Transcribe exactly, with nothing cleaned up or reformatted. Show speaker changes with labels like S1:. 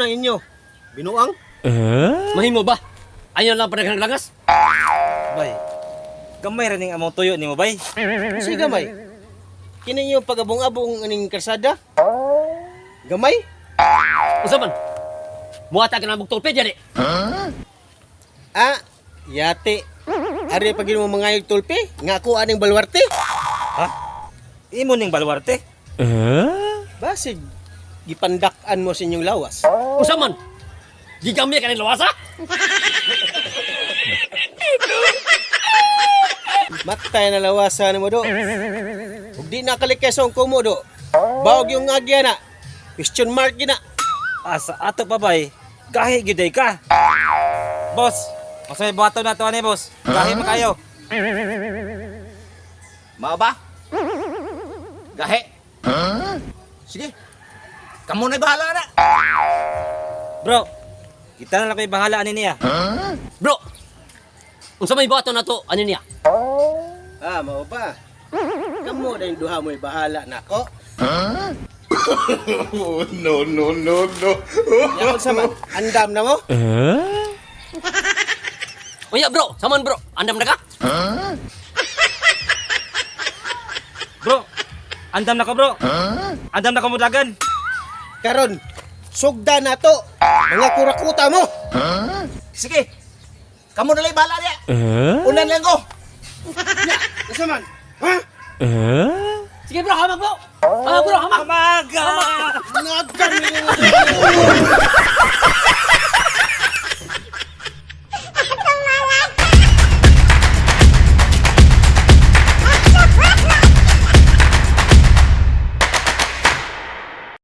S1: ang inyo? Binuang?
S2: Eh?
S3: Mahimo ba? Ayaw lang padaghang langas?
S4: Bay, gamay rin ang among tuyo nimo bay.
S1: Kasi gamay. Kini yung pagabong-abong aning karsada? Gamay?
S3: Usa man? Muata ka na mong tulpe dyan eh.
S1: Ah, yate. Ari pag mo mangayog tulpe, nga ako aning balwarte.
S4: Ha? Imo ning balwarte?
S2: Eh?
S1: Basig, gipandak-an mo sa inyong lawas.
S3: Usa man? Gigamya ka ng lawasa?
S1: Matay na lawasan mo do. Ug di nakalikesong ko mo do. Bawag yung agya na. Question mark gina.
S4: Asa ato pa bay. Gahi gyud ka. Boss, masay buhaton na to ani boss. Gahi man kayo.
S5: Mao ba? Gahe. Sige. Kamu na bahala na.
S4: Bro, kita na lang ko'y bahala ani niya.
S3: Bro! Unsa may bato na to? Ano niya?
S1: Ah, mao ba? Kamo na yung duha mo'y bahala na ko.
S6: Oh, no, no, no, no.
S1: Yakon sa man, andam na mo?
S2: Eh?
S3: Unya bro! Saman bro! Andam na ka?
S4: Bro, andam na ko bro. Andam na ko mudagan.
S1: Karon, sugda na to. Mga kurakuta mo.
S5: Sige. Kamu na lang bahala niya.
S2: Eh?
S5: Unan lang ko.
S1: Isa man. Ha?
S2: Eh?
S3: Sige bro! Hamak bro! Hamak bro! Hamak!
S4: Amaga!
S1: Nagkan